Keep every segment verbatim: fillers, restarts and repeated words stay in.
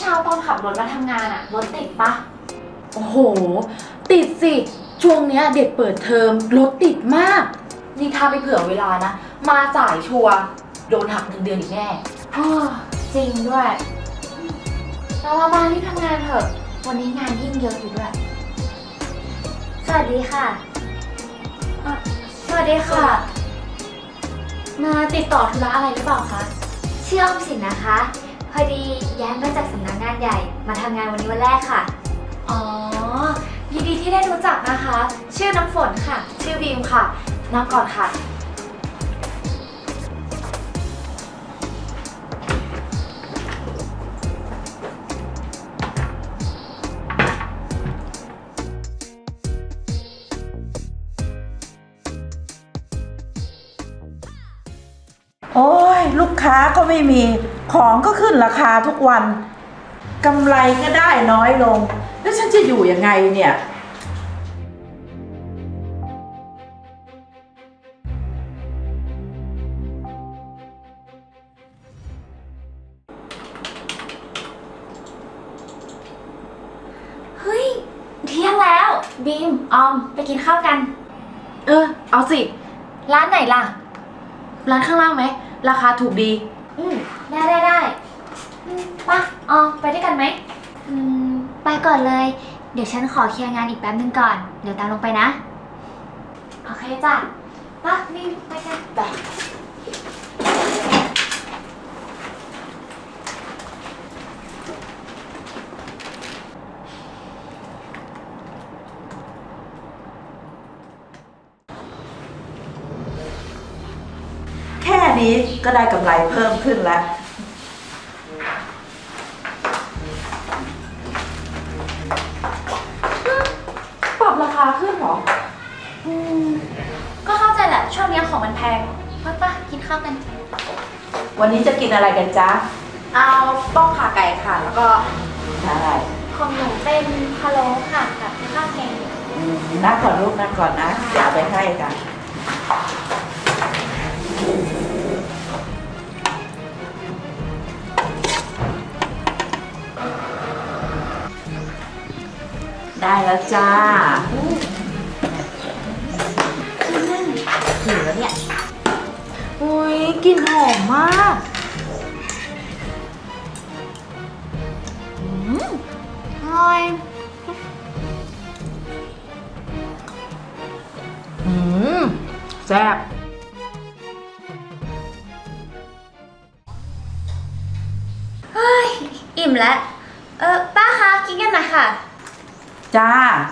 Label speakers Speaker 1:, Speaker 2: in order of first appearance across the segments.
Speaker 1: เช้าตอนขับรถมาทำงานอะรถติดปะ
Speaker 2: โอ้โหติดสิช่วงเนี้ยเด็กเปิดเทอมรถติดมากนี่ถ้าไปเผื่อเวลานะมาสายชัวร์โดนหักเงินเดือนอีกแน่
Speaker 1: อ้อจริงด้วยเราเรามาที่ทำงานเถอะวันนี้งานยิ่งเยอะอยู่ด้วยสวัสดีค่ะสวัสดีค่ะมาติดต่อธุระอะไรหรือเปล่าคะชื่อออมสินนะคะพอดีย้ายมาจากสำนักงานใหญ่มาทำงานวันนี้วันแรกค่ะอ๋อยินดีที่ได้รู้จักนะคะชื่อน้ำฝนค่ะชื่อบีมค่ะนั่งก่อนค่ะ
Speaker 3: โอ้ยลูกค้าก็ไม่มีของก็ขึ้นราคาทุกวันกำไรก็ได้น้อยลงแล้วฉันจะอยู่ยังไงเนี่ย
Speaker 1: เฮ้ยเที่ยงแล้วบีมออมไปกินข้าวกัน
Speaker 2: เออเอาสิ
Speaker 1: ร้านไหนล่ะ
Speaker 2: ร้านข้างล่างไหมราคาถูกดี
Speaker 1: อืมได้ได้ได้ปะออมไปด้วยกันไหมอืมไปก่อนเลยเดี๋ยวฉันขอเคลียร์งานอีกแป๊บนึงก่อนเดี๋ยวตามลงไปนะโอเคจ้ะปะบีมไปกัน
Speaker 2: ไป
Speaker 3: แค่นี้ก็ได้กำไรเพิ่มขึ้นแล้ว
Speaker 2: ปรับราคาขึ้นเหรอ
Speaker 1: อืมก็เข้าใจแหละช่วงนี้ของมันแพงปะปะกินข้าวกัน
Speaker 3: วันนี้จะกินอะไรกันจ๊ะ
Speaker 2: เอาต้มขาไก่ค่ะแล้วก็
Speaker 3: ใช่
Speaker 1: ของหนูเป็นพะโล้ค่ะกับข้าวแกง
Speaker 3: นั่งก่อนลูกนั่งก่อนนะเดี๋ยวเอาไปให้กันได้แล้วจ้า
Speaker 1: หิวแล้วเนี่ย
Speaker 2: อุ้ยกลิ่นหอมมากอืมอร่อยอืมแซ่บ
Speaker 1: เฮ้ยอิ่มแล้วเออป้าคะกินกันหน่อยค่ะ
Speaker 3: จ้า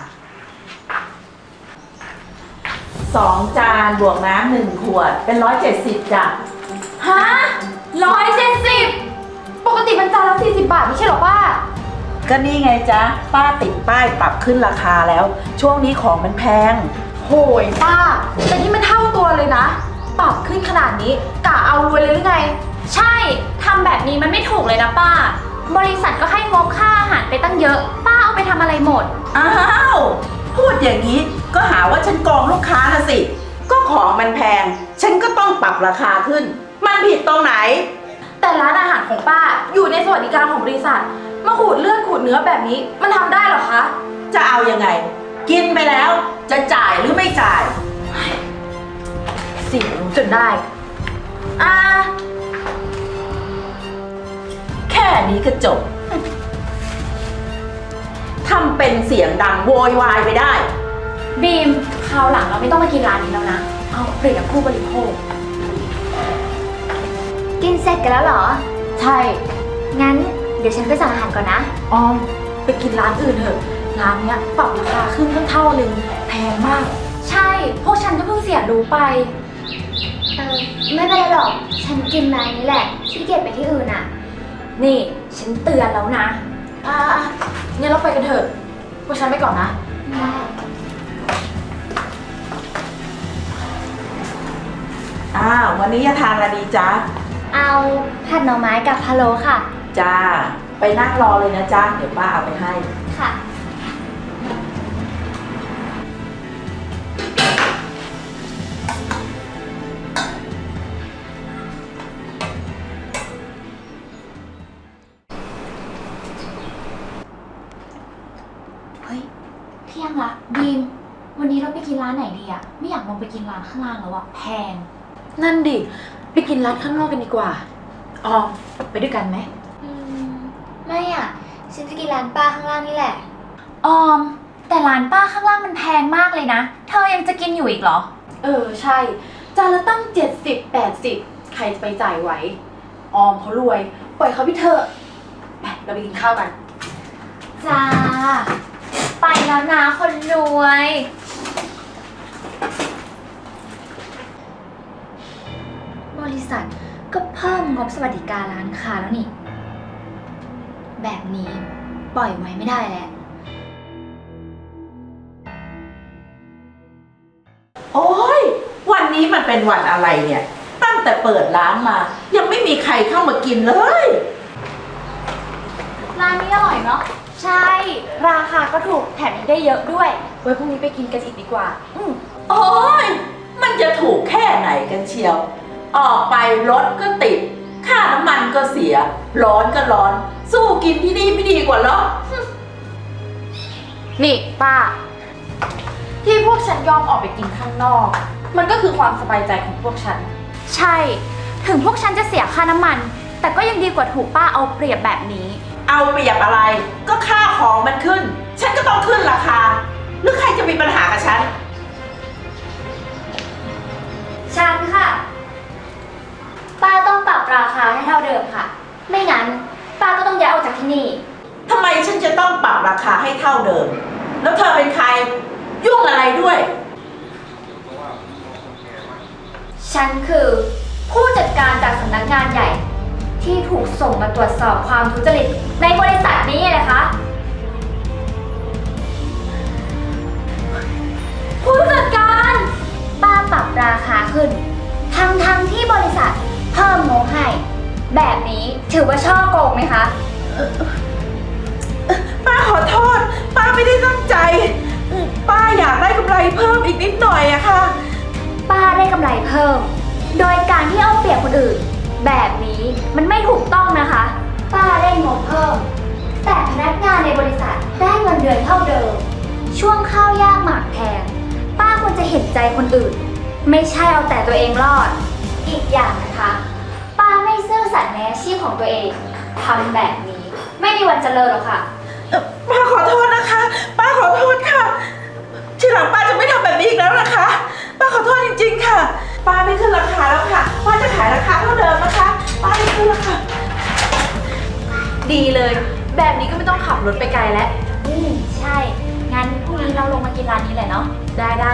Speaker 3: สองจานบวกน้ำหนึ่งขวดเป็นร้อยเจ็ดสิบจ้ะ
Speaker 2: ฮะร้อยเจ็ดสิบปกติมันจานละสี่สิบบาทไม่ใช่หรอป้า
Speaker 3: ก็นี่ไงจ๊ะป้าติดป้ายปรับขึ้นราคาแล้วช่วงนี้ของมันแพง
Speaker 2: โหยป้าแต่นี่มันเท่าตัวเลยนะปรับขึ้นขนาดนี้กะเอารวยเลยหรือไง
Speaker 1: ใช่ทำแบบนี้มันไม่ถูกเลยนะป้าบริษัทก็ให้งบค่าอาหารไปตั้งเยอะป้าเอาไปทำอะไรหมด
Speaker 3: อ้าวพูดอย่างนี้ก็หาว่าฉันโกงลูกค้าละสิก็ของมันแพงฉันก็ต้องปรับราคาขึ้นมันผิดตรงไหน
Speaker 2: แต่ร้านอาหารของป้าอยู่ในสวัสดิการของบริษัทมาขูดเลือดขูดเนื้อแบบนี้มันทำได้หรอคะ
Speaker 3: จะเอายังไงกินไปแล้วจะจ่ายหรือไม่จ่าย
Speaker 2: สิรู้จนได้อ่า
Speaker 3: แค่นี้ก็จบทำเป็นเสียงดังโวยวายไปได้
Speaker 1: บีมคราวหลังเราไม่ต้องมากินร้านนี้แล้วนะเอาเปลี่ยนผู้บริโภคกินเสร็จกันแล้วเหรอ
Speaker 2: ใช่
Speaker 1: งั้นเดี๋ยวฉันไปสั่งอาหารก่อนนะ
Speaker 2: ออมไปกินร้านอื่นเถอะร้านเนี้ยปรับราคาขึ้นตั้งเท่านึงแพงมาก
Speaker 1: ใช่พวกฉันก็เพิ่งเสียรู้ไปเออไม่เป็นไรหรอกฉันกินร้านนี้แหละขี้เกียจไปที่อื่นอ่ะนี่ฉันเตือนแล้วนะ
Speaker 2: อ่างั้นเราไปกันเถอะพวกฉันไปก่อนนะ
Speaker 3: อ้าววันนี้จะทานอะไรดีจ๊ะ
Speaker 1: เอาผัดหน่อไม้กับพะโล้ค่ะ
Speaker 3: จ้าไปนั่งรอเลยนะจ๊ะเดี๋ยวป้าเอาไปให้
Speaker 1: ค่ะ
Speaker 3: อ
Speaker 1: ที่ยงละบีม วันนี้เราไปกินร้านไหนดีอะไม่อยากลงไปกินร้านข้างล่างแล้วอะแพง
Speaker 2: นั่นดิ ไปกินร้านข้างนอกกันดีกว่า ออม ไปด้วยกันไหม
Speaker 1: อืม ไม่อะฉันจะกินร้านป้าข้างล่างนี่แหละ
Speaker 4: ออม แต่ร้านป้าข้างล่างมันแพงมากเลยนะ เธอยังจะกินอยู่อีกเหรอ
Speaker 2: เออ ใช่ จานละตั้งเจ็ดสิบแปดสิบใครจะไปจ่ายไหว ออมเขารวย ปล่อยเขาไปเถอะไปเราไปกินข้าวกัน
Speaker 4: จ้า ไปแล้วนะคนรวย
Speaker 1: บริษัทก็เพิ่มงบสวัสดิการร้านค้าแล้วนี่ แบบนี้ปล่อยไว้ไม่ได้แล้ว
Speaker 3: โอ้ยวันนี้มันเป็นวันอะไรเนี่ย ตั้งแต่เปิดร้านมา ยังไม่มีใครเข้ามากินเลย
Speaker 4: ร้านนี้อร่อยเนาะ ใช่ ราคาก็ถูกแถมยังได้เยอะด้วย
Speaker 2: ไว้พรุ่งนี้ไปกินกันอีกดีกว่า
Speaker 4: อืม
Speaker 3: โอ้ยมันจะถูกแค่ไหนกันเชียว ออกไปรถก็ติด ค่าน้ำมันก็เสีย ร้อนก็ร้อน สู้กินที่นี่ไม่ดีกว่าเหรอ
Speaker 2: นี่ป้า ที่พวกฉันยอมออกไปกินข้างนอก มันก็คือความสบายใจของพวกฉัน
Speaker 4: ใช่ ถึงพวกฉันจะเสียค่าน้ำมัน แต่ก็ยังดีกว่าถูกป้าเอาเปรียบแบบนี้
Speaker 3: เอาเปรียบอะไร ก็ค่าของมันขึ้น ฉันก็ต้องขึ้นราคา หรือใครจะมีปัญหากับฉัน
Speaker 1: ฉันค่ะ ป้าต้องปรับราคาให้เท่าเดิมค่ะ ไม่งั้น ป้าก็ต้องย้ายออกจากที่นี่
Speaker 3: ทำไมฉันจะต้องปรับราคาให้เท่าเดิม แล้วเธอเป็นใคร ยุ่งอะไรด้วย
Speaker 1: ฉันคือผู้จัดการจากสำนักงานใหญ่ ที่ถูกส่งมาตรวจสอบความทุจริตในบริษัทนี้ไงนะคะ ผู้จัดการป้าปรับราคาขึ้น ทั้งทั้งที่บริษัทเพิ่มงบให้ แบบนี้ถือว่าช่อโกงไหมคะ
Speaker 3: ป้าขอโทษ ป้าไม่ได้ตั้งใจ ป้าอยากได้กำไรเพิ่มอีกนิดหน่อยอะค่ะ
Speaker 1: ป้าได้กำไรเพิ่ม โดยการที่เอาเปรียบคนอื่น แบบนี้มันไม่ถูกต้องนะคะ ป้าได้งบเพิ่ม แต่พนักงานในบริษัทได้เงินเดือนเท่าเดิม ช่วงข้าวยากหมากแพง ป้าควรจะเห็นใจคนอื่น ไม่ใช่เอาแต่ตัวเองรอด อีกอย่างนะคะ ป้าไม่ซื่อสัตย์ในอาชีพของตัวเองทำแบบนี้ ไม่มีวันเจริญหรอกค่ะ
Speaker 3: ป้าขอโทษนะคะ ป้าขอโทษค่ะ ทีหลังป้าจะไม่ทำแบบนี้อีกแล้วนะคะ ป้าขอโทษจริงๆค่ะ ป้าไม่ขึ้นราคาแล้วค่ะ ป้าจะขายราคาเท่าเดิมนะคะ ป้าไม่ขึ้นราคา
Speaker 2: ดีเลย แบบนี้ก็ไม่ต้องขับรถไปไกลแล้ว
Speaker 1: อืมใช่ งั้นพรุ่งนี้เราลงมากินร้านนี้เลยเนาะ
Speaker 2: ได้ได้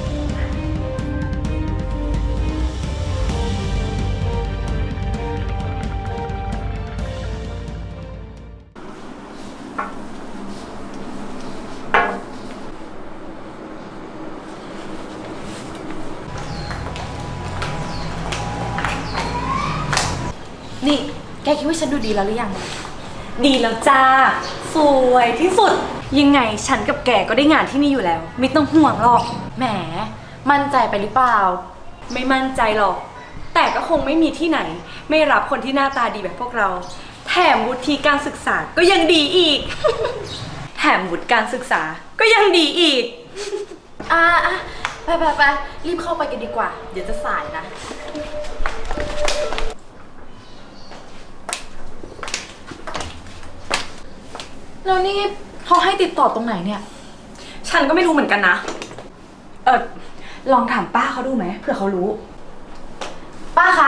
Speaker 2: นี่ แกคิดว่าฉันดูดีแล้วหรือยัง
Speaker 5: ดีแล้วจ้า สวยที่สุด ยังไงฉันกับแกก็ได้งานที่นี่อยู่แล้ว ไม่ต้องห่วงหรอก
Speaker 2: แหม มั่นใจไปหรือเปล่า
Speaker 5: ไม่มั่นใจหรอก แต่ก็คงไม่มีที่ไหน ไม่รับคนที่หน้าตาดีแบบพวกเรา แถมวุฒิการศึกษาก็ยังดีอีก แถมวุฒิการศึกษาก็ยังดีอีก
Speaker 2: อ่ะอ่ะไปไปไปรีบเข้าไปกันดีกว่า เดี๋ยวจะสายนะ แล้วนี่เขาให้ติดต่อตรงไหนเนี่ย
Speaker 5: ฉันก็ไม่รู้เหมือนกันนะ เออลองถามป้าเขาดูไหมเผื่อเขารู้
Speaker 2: ป้าคะ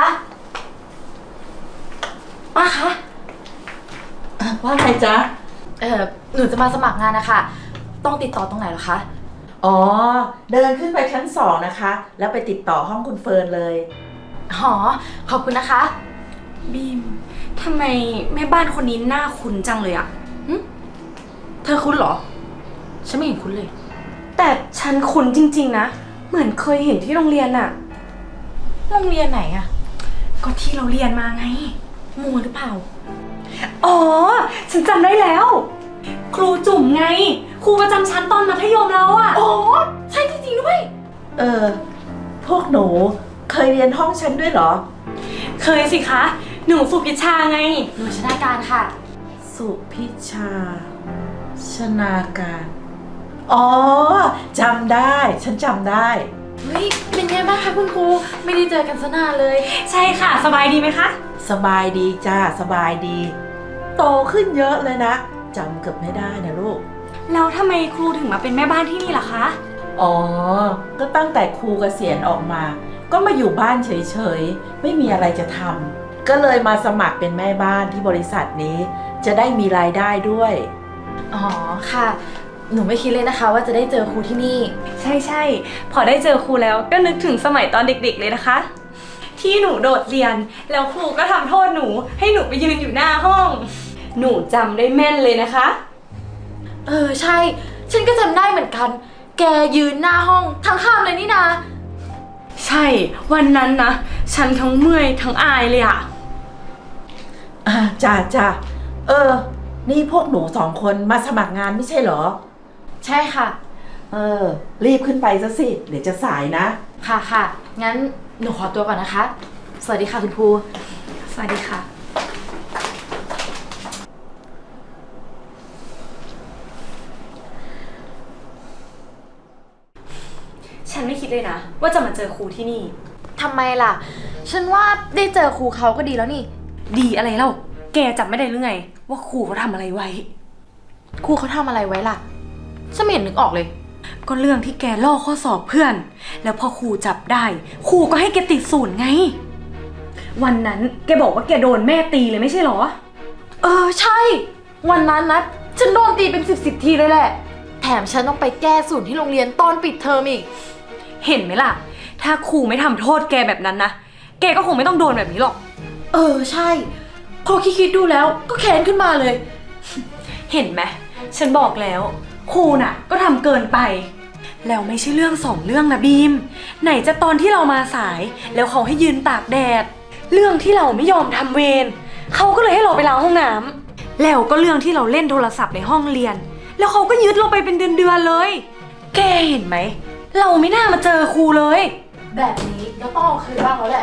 Speaker 2: ป้าคะ
Speaker 3: ว่าไงจ๊ะ
Speaker 2: เออหนูจะมาสมัครงานนะคะ ต้องติดต่อตรงไหนเหรอคะ
Speaker 3: อ๋อ เดินขึ้นไปชั้นสองนะคะ แล้วไปติดต่อห้องคุณเฟิร์นเลย
Speaker 2: หอ ขอบคุณนะคะ
Speaker 5: บีมทำไมแม่บ้านคนนี้หน้าคุ้นจังเลยอะ
Speaker 2: เธอคุ้นเหรอ ฉันไม่เห็นคุ้นเลย
Speaker 5: แต่ฉันคุ้นจริงๆนะ เหมือนเคยเห็นที่โรงเรียนอะ
Speaker 2: โรงเรียนไหนอะ
Speaker 5: ก็ที่เราเรียนมาไง
Speaker 2: มัวหรือเปล่า
Speaker 5: อ๋อ ฉันจำได้แล้ว ครูจุ๋มไง ครูประจำชั้นตอนมัธยมเราอะ
Speaker 2: อ๋อ ใช่จริงๆด้วย
Speaker 3: เออ พวกหนูเคยเรียนห้องฉันด้วยเหรอ
Speaker 5: เคยสิคะ หนูสุพิชชาไง
Speaker 2: หนูชนาการค่ะ
Speaker 3: สุพิชา ชนาการอ๋อจำได้ฉันจำได้
Speaker 2: เฮ้ย เป็นไงบ้างคะคุณครู ไม่ได้เจอกันซะนานเลย
Speaker 5: ใช่ค่ะ สบายดีไหมคะ
Speaker 3: สบายดีจ้าสบายดี โตขึ้นเยอะเลยนะจำเกือบไม่ได้นะลูก
Speaker 5: แล้วทำไมครูถึงมาเป็นแม่บ้านที่นี่ล่ะคะ
Speaker 3: อ๋อ ก็ตั้งแต่ครูเกษียณออกมา ก็มาอยู่บ้านเฉยๆ ไม่มีอะไรจะทำ ก็เลยมาสมัครเป็นแม่บ้านที่บริษัทนี้ จะได้มีรายได้ด้วย
Speaker 2: อ๋อ ค่ะ หนูไม่คิดเลยนะคะ ว่าจะได้เจอครูที่นี่
Speaker 5: ใช่ใช่พอได้เจอครูแล้วก็นึกถึงสมัยตอนเด็กๆเลยนะคะ ที่หนูโดดเรียนแล้วครูก็ทำโทษหนูให้หนูไปยืนอยู่หน้าห้อง หนูจำได้แม่นเลยนะคะ
Speaker 2: เออ ใช่ ฉันก็จำได้เหมือนกัน แกยืนหน้าห้องทั้งข้ามเลยนี่นา
Speaker 5: ใช่วันนั้นนะฉันทั้งเมื่อยทั้งอายเลยอะ
Speaker 3: อ่าจ้าจ้าเออ นี่พวกหนูสองคนมาสมัครงานไม่ใช่เหรอ
Speaker 2: ใช่ค่ะ
Speaker 3: เออ รีบขึ้นไปซะสิ เดี๋ยวจะสายนะ
Speaker 2: ค่ะค่ะ งั้นหนูขอตัวก่อนนะคะ สวัสดีค่ะคุณครู
Speaker 5: สวัสดีค่ะ ฉันไม่คิดเลยนะว่าจะมาเจอครูที่นี่
Speaker 2: ทำไมล่ะ ฉันว่าได้เจอครูเขาก็ดีแล้วนี่
Speaker 5: ดีอะไรเล่าแกจำไม่ได้หรือไง ว่าครูเขาทำอะไรไว้
Speaker 2: ครูเขาทำอะไรไว้ล่ะ ฉันไม่เห็นนึกออกเลย
Speaker 5: ก็เรื่องที่แกลอกข้อสอบเพื่อน แล้วพอครูจับได้ครูก็ให้แกติดศูนย์ไง วันนั้นแกบอกว่าแกโดนแม่ตีเลยไม่ใช่หรอ
Speaker 2: เออ ใช่ วันนั้นนะ ฉันโดนตีเป็นสิบสิบทีเลยแหละ แถมฉันต้องไปแก้สูตรที่โรงเรียนตอนปิดเทอมอีก
Speaker 5: เห็นไหมล่ะ ถ้าครูไม่ทำโทษแกแบบนั้นนะ แกก็คงไม่ต้องโดนแบบนี้หรอก
Speaker 2: เออ ใช่พอคิดๆดูแล้วก็แค้นขึ้นมาเลย
Speaker 5: เห็นไหมฉันบอกแล้วครูน่ะก็ทำเกินไป แล้วไม่ใช่เรื่องสองเรื่องนะบีม ไหนจะตอนที่เรามาสาย แล้วเขาให้ยืนตากแดด เรื่องที่เราไม่ยอมทำเวรเขาก็เลยให้เราไปล้างห้องน้ำแล้วก็เรื่องที่เราเล่นโทรศัพท์ในห้องเรียน แล้วเขาก็ยึดเราไปเป็นเดือนๆเลย แกเห็นไหมเราไม่น่ามาเจอครูเลย
Speaker 2: แบบนี้เราต้องเอาคืนบ้างแล้วแหละ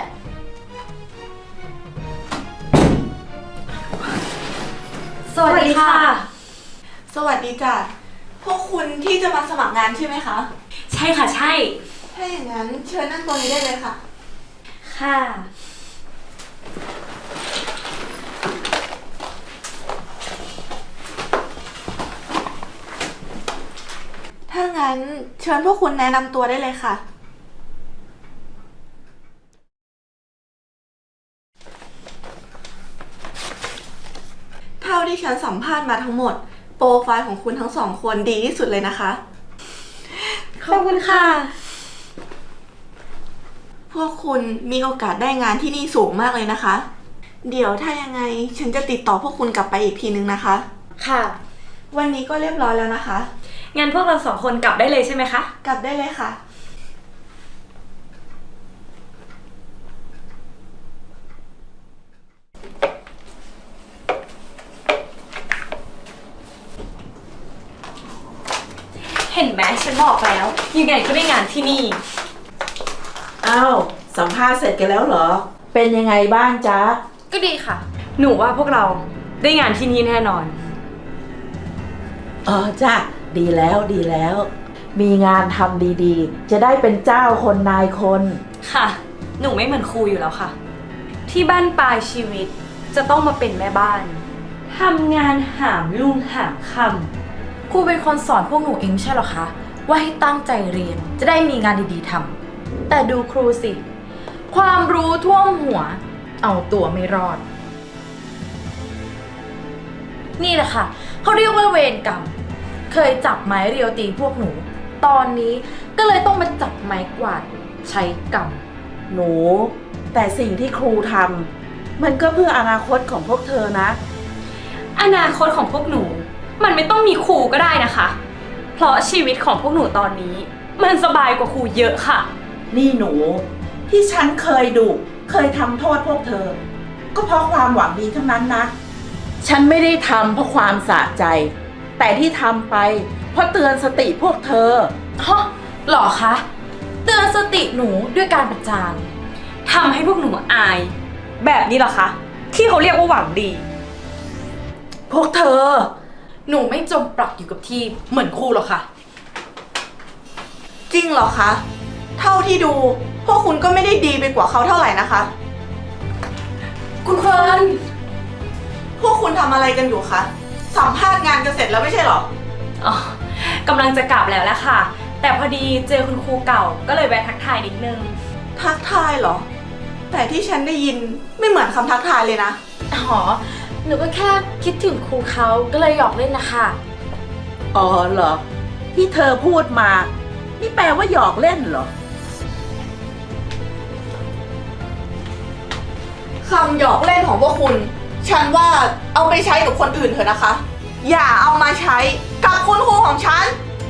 Speaker 5: สวัสดีค่ะ
Speaker 6: สวัสดีจ้ะ พวกคุณที่จะมาสมัครงานใช่ไหมคะ
Speaker 5: ใช่ค่ะใช่
Speaker 6: ถ้าอย่างนั้นเชิญนั่งตรงนี้ได้เลยค่ะ
Speaker 5: ค่ะ
Speaker 6: ถ้างั้นเชิญพวกคุณแนะนำตัวได้เลยค่ะ เท่าที่ฉันสัมภาษณ์มาทั้งหมด โปรไฟล์ของคุณทั้งสองคนดีที่สุดเลยนะคะ
Speaker 5: ขอบคุณค่ะ
Speaker 6: พวกคุณมีโอกาสได้งานที่นี่สูงมากเลยนะคะ เดี๋ยวถ้ายังไงฉันจะติดต่อพวกคุณกลับไปอีกทีนึงนะคะ
Speaker 2: ค่ะ
Speaker 6: วันนี้ก็เรียบร้อยแล้วนะคะ
Speaker 5: งั้นพวกเราสองคนกลับได้เลยใช่ไหมคะ
Speaker 6: กลับได้เลยค่ะ
Speaker 5: เห็นไหมฉันบอกแล้วยังไงก็ได้งานที่นี่
Speaker 3: อ้าวสัมภาษณ์เสร็จกันแล้วเหรอ เป็นยังไงบ้างจ๊ะ
Speaker 2: ก็ดีค่ะ
Speaker 5: หนูว่าพวกเราได้งานที่นี่แน่นอน
Speaker 3: อ๋อจ้ะดีแล้วดีแล้ว มีงานทำดีๆ จะได้เป็นเจ้าคนนายคน
Speaker 5: ค่ะ หนูไม่เหมือนครูอยู่แล้วค่ะ ที่บ้านปลายชีวิตจะต้องมาเป็นแม่บ้านทำงานหามลุ่งหามค่
Speaker 2: ครูเป็นคนสอนพวกหนูเองไม่ใช่เหรอคะ ว่าให้ตั้งใจเรียนจะได้มีงานดีๆทำแต่ดูครูสิ ความรู้ท่วมหัว เอาตัวไม่รอด นี่แหละค่ะเขาเรียกว่าเวรกรรม เคยจับไม้เรียวตีพวกหนู ตอนนี้ก็เลยต้องมาจับไม้กวาดใช้กรรม
Speaker 3: หนู แต่สิ่งที่ครูทำมันก็เพื่ออนาคตของพวกเธอนะ
Speaker 5: ำอนาคตของพวกหนู มันไม่ต้องมีครูก็ได้นะคะ เพราะชีวิตของพวกหนูตอนนี้ มันสบายกว่าครูเยอะค่ะ
Speaker 3: นี่หนู ที่ฉันเคยดุเคยทำโทษพวกเธอ ก็เพราะความหวังดีทั้งนั้นนะ ฉันไม่ได้ทำเพราะความสะใจ แต่ที่ทำไปเพราะเตือนสติพวกเธอ
Speaker 2: ฮะหรอคะ เตือนสติหนูด้วยการประจาน
Speaker 5: ทำให้พวกหนูอาย แบบนี้เหรอคะ ที่เขาเรียกว่าหวังดี
Speaker 3: พวกเธอ
Speaker 2: หนูไม่จมปลักอยู่กับที่เหมือนครูหรอกค่ะ
Speaker 6: จริงเหรอคะ เท่าที่ดูพวกคุณก็ไม่ได้ดีไปกว่าเขาเท่าไหร่นะคะ
Speaker 5: คุณเฟิร์น
Speaker 6: พวกคุณทำอะไรกันอยู่คะ สัมภาษณ์งานกันเสร็จแล้วไม่ใช่เหรอ
Speaker 5: อ๋อกำลังจะกลับแล้วแหละค่ะ แต่พอดีเจอคุณครูเก่าก็เลยแวะทักทายนิดนึง
Speaker 6: ทักทายเหรอ แต่ที่ฉันได้ยินไม่เหมือนคำทักทายเลยนะ
Speaker 2: อ๋อ หนูก็แค่คิดถึงครูเขาก็เลยหยอกเล่นนะคะ
Speaker 3: อ๋อเหรอ ที่เธอพูดมา นี่แปลว่าหยอกเล่นเหรอ
Speaker 6: คำหยอกเล่นของพวกคุณ ฉันว่าเอาไปใช้กับคนอื่นเถอะนะคะ อย่าเอามาใช้กับคุณครูของฉัน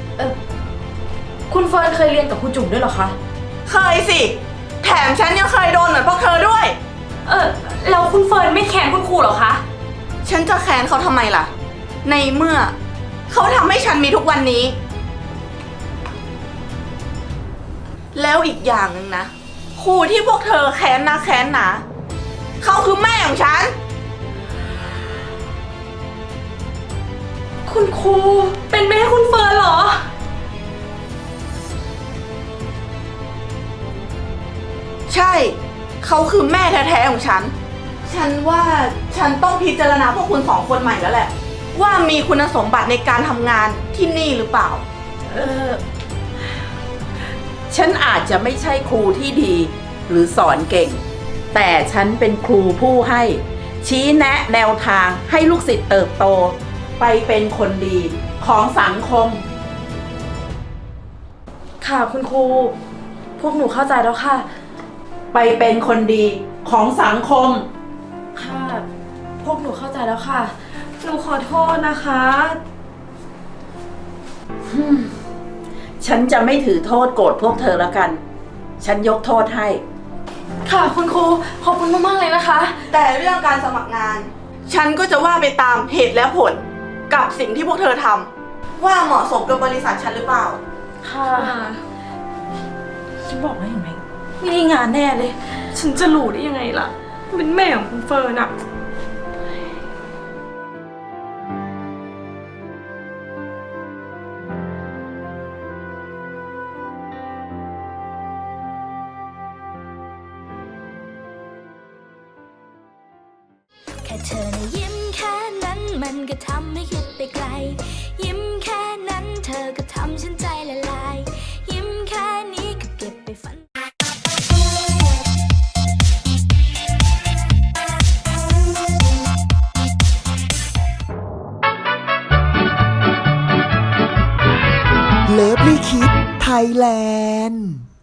Speaker 2: คุณเฟิร์นเคยเรียนกับครูจุ๋มด้วยเหรอคะ
Speaker 6: เคยสิ แถมฉันยังเคยโดนเหมือนพวกเธอด้วย
Speaker 5: เออแล้วคุณเฟิร์นไม่แค้นคุณครูเหรอคะ
Speaker 6: ฉันจะแค้นเขาทำไมล่ะ ในเมื่อ เขาทำให้ฉันมีทุกวันนี้ แล้วอีกอย่างหนึ่งนะ ครูที่พวกเธอแค้นนะแค้นหนาเขาคือแม่ของฉัน
Speaker 5: คุณครูเป็นแม่คุณเฟิร์นเหรอ
Speaker 6: ใช่ เขาคือแม่แท้ๆของฉัน ฉันว่าฉันต้องพิจารณาพวกคุณสองคนใหม่แล้วแหละ ว่ามีคุณสมบัติในการทำงานที่นี่หรือเปล่า
Speaker 3: เออ ฉันอาจจะไม่ใช่ครูที่ดี หรือสอนเก่ง แต่ฉันเป็นครูผู้ให้ ชี้แนะแนวทางให้ลูกศิษย์เติบโต ไปเป็นคนดีของสังคม
Speaker 2: ค่ะคุณครู พวกหนูเข้าใจแล้วค่ะ
Speaker 3: ไปเป็นคนดีของสังคม
Speaker 2: ค่ะ พวกหนูเข้าใจแล้วค่ะ
Speaker 5: หนูขอโทษนะคะ
Speaker 3: ฉันจะไม่ถือโทษโกรธพวกเธอแล้วกัน ฉันยกโทษให้
Speaker 2: ค่ะคุณครู ขอบคุณมากๆเลยนะคะ
Speaker 6: แต่เรื่องการสมัครงาน ฉันก็จะว่าไปตามเหตุและผลกับสิ่งที่พวกเธอทำว่าเหมาะสมกับบริษัทฉันหรือเปล่า
Speaker 2: ค่ะ ฉันบอกแล้วเห็นไหมไม่ได้งานแน่เลย
Speaker 5: ฉันจะรู้ได้ยังไงล่ะ เป็นแม่ของคุณเฟิร์นอะ
Speaker 7: แค่เธอนะยิ้มแค่นั้นมันก็ทำให้คิดไปไกล ยิ้มแค่นั้นเธอก็ทำฉันใจละลาย ยิ้มแค่นี้ก็เก็บไปฝัน
Speaker 8: เลิฟลี่คิดไทยแลนด์